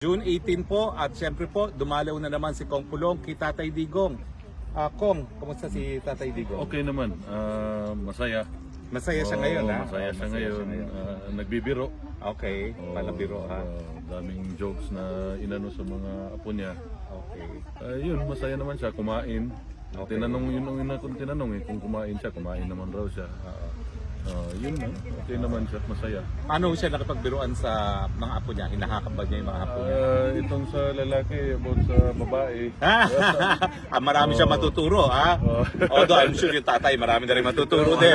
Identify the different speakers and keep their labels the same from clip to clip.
Speaker 1: June 18 po at syempre po dumalaw na naman si Kong Pulong kay Tatay Digong. Kong, kumusta si Tatay Digong?
Speaker 2: Okay naman, masaya.
Speaker 1: Masaya siya ngayon ha?
Speaker 2: Masaya siya ngayon. Nagbibiro.
Speaker 1: Okay, palabiro ha?
Speaker 2: Daming jokes na inano sa mga apo niya.
Speaker 1: Okay.
Speaker 2: Yun, masaya naman siya, kumain.
Speaker 1: Okay.
Speaker 2: Tinanong yun ang ina kong tinanong kung kumain siya, kumain naman raw siya. Yun na, okay naman siya, masaya.
Speaker 1: Paano siya nakipagbiruan sa mga apo niya? Hinahakam ba niya yung mga apo niya?
Speaker 2: Itong sa lalaki, about sa babae.
Speaker 1: Marami siya matuturo ha? Although I'm sure yung tatay marami na rin matuturo din.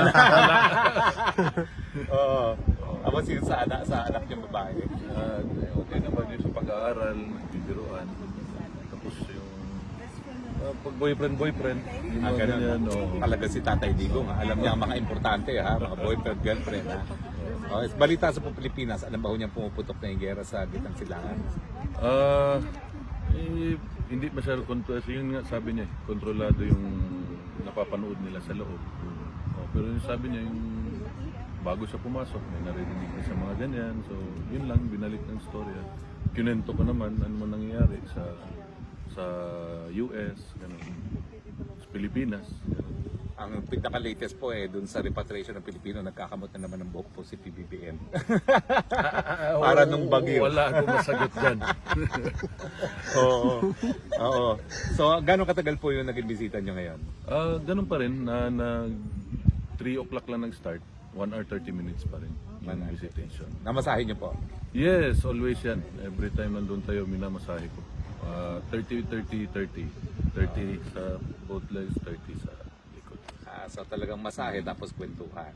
Speaker 1: Ako sa anak niyang babae.
Speaker 2: Okay naman yun sa pag-aaral, nagbibiruan. Tapos yung pag boyfriend, yung mga ganyan.
Speaker 1: Talaga si Tatay Digong ha? Alam niya ang mga importante ha? Mga boyfriend, girlfriend ha? Balita sa Pilipinas, alam ba ho niyang pumuputok na yung gera sa Gitang Silangan?
Speaker 2: Hindi masyado kontrolado. Yun nga sabi niya, kontrolado yung napapanood nila sa loob. Pero yung sabi niya, yung bago siya pumasok, may narinig na sa mga ganyan. So, yun lang, binalik ng storya. Kinento ko naman, ano man nangyayari sa US, ganun, sa Pilipinas. Ganun.
Speaker 1: Ang pinaka-latest po dun sa repatriation ng Pilipino, nagkakamot na naman ng buhok po si PBBM. Para nung bagyo.
Speaker 2: Wala akong masagot dyan.
Speaker 1: Oo. So, gano'ng katagal po yung naging bisita nyo ngayon?
Speaker 2: Ganun pa rin, na 3 o'clock lang nag-start. 1 hour 30 minutes pa rin yung visitation.
Speaker 1: Namasahe nyo po?
Speaker 2: Yes, always yan. Every time nandun tayo, minamasahe ko. 30 sa both legs, 30 sa likod.
Speaker 1: So talagang masahe tapos kwentuhan.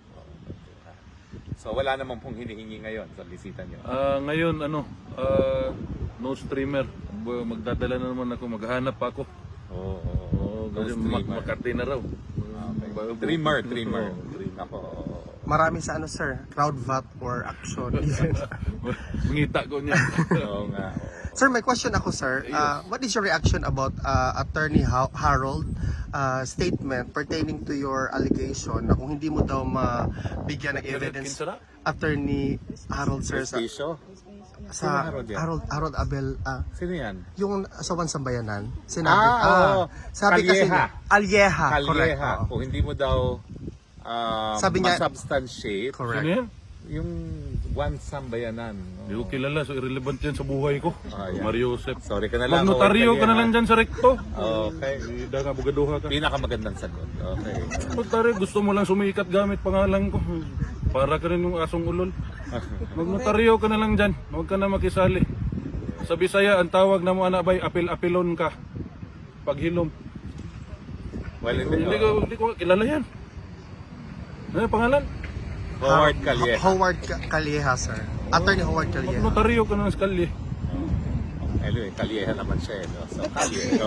Speaker 1: So wala namang pong hinihingi ngayon sa bisita nyo?
Speaker 2: Ngayon, no streamer. Magdadala na naman ako, maghahanap pa ako. Kasi Makati na raw.
Speaker 1: Dreamer. Ako.
Speaker 3: Marami sa sir, crowd vote or action.
Speaker 2: Mangita ko niya.
Speaker 1: Oo nga.
Speaker 3: Sir, may question ako sir. What is your reaction about Attorney Harold statement pertaining to your allegation na kung hindi mo daw mabigyan ng evidence Attorney Harold sir sa Harold Abel
Speaker 1: Sino yan?
Speaker 3: yung sa Wansambayanan sinabi sabi kasi Alyeha, correct.
Speaker 1: Kung hindi mo daw
Speaker 3: sabi niya,
Speaker 1: substantiate
Speaker 3: correct.
Speaker 2: Ano yan?
Speaker 1: yung one sambayanan.
Speaker 2: Hindi ko kilala, so irrelevant yan sa buhay ko. Mario Josep.
Speaker 1: Sorry ka na lang.
Speaker 2: Magnotaryo ka na lang dyan sa rekto.
Speaker 1: Okay.
Speaker 2: Hindi nga bugaduha ka.
Speaker 1: Pinakamagandang sagot. Okay.
Speaker 2: Magnotaryo, gusto mo lang sumikat gamit pangalan ko. Para ka rin yung asong ulol. Magnotaryo ka na lang dyan. Huwag ka na makisali. Sa Bisaya, ang tawag na mo anabay, apil-apilon ka. Paghilom.
Speaker 1: Well,
Speaker 2: Hindi ko kilala yan. Ano yung pangalan?
Speaker 1: Howard Calleja.
Speaker 3: Howard Calleja, sir. Attorney Howard Calleja.
Speaker 2: Magnotaryo ka na ng skalye.
Speaker 1: Anyway, Calleja naman siya. No? So, Calleja.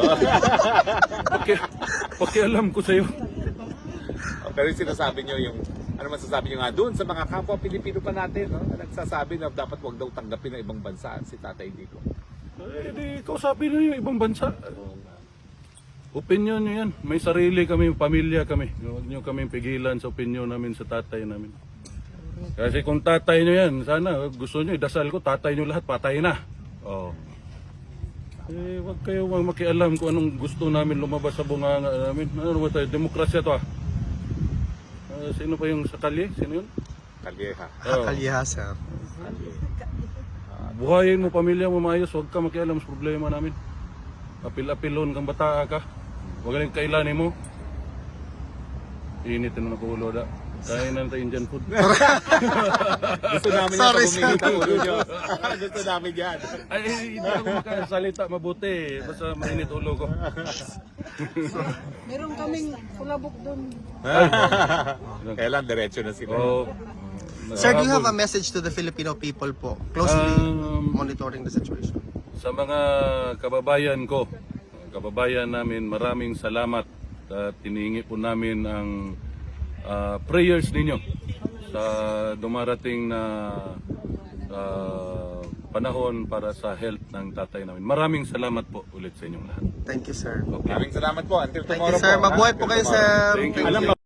Speaker 2: Pakialam ko sa'yo.
Speaker 1: Pero yung sinasabi nyo yung, ano masasabi nyo nga doon sa mga kapwa Pilipino pa natin, no? Na nagsasabi na dapat wag daw tanggapin ng ibang bansa si Tatay Digong.
Speaker 2: Di kausapin nyo yung ibang bansa. Opinion nyo yan. May sarili kami, pamilya kami. Huwag nyo kami pigilan sa opinion namin sa tatay namin. Kasi kung tatay nyo yan, sana gusto nyo, idasal ko, tatay nyo lahat, patay na. Huwag kayo makialam kung anong gusto namin lumabas sa bunganga namin. Ano ba tayo? Demokrasya to sino pa yung sa kalye? Sino yun?
Speaker 1: Calleja.
Speaker 3: Calleja, sir.
Speaker 2: Buhayin mo, pamilya mo maayos, huwag ka makialam sa problema namin. Apil-apilon kang bata ka. Huwag ka rin kailanin mo. Init na ulo da. Kain na tayo Indian food.
Speaker 1: Gusto namin yan pag uminit ang ulo nyo. Gusto namin yan.
Speaker 2: Ay, hindi ako makasalita mabuti. Basta mainit ulo ko.
Speaker 4: Meron kaming kulabok doon.
Speaker 1: Kailan diretso na sila.
Speaker 3: Sir, do you have a message to the Filipino people po? Closely monitoring the situation.
Speaker 2: Sa mga kababayan ko, kababayan namin, maraming salamat at tinihingi po namin ang prayers ninyo sa dumarating na panahon para sa health ng tatay namin. Maraming salamat po ulit sa inyong lahat.
Speaker 3: Thank you, sir.
Speaker 1: Maraming salamat po. Until
Speaker 3: Thank
Speaker 1: tomorrow
Speaker 3: you, sir.
Speaker 1: po.
Speaker 3: Mabuhay po kayo, sir.
Speaker 2: Thank you.
Speaker 1: Alam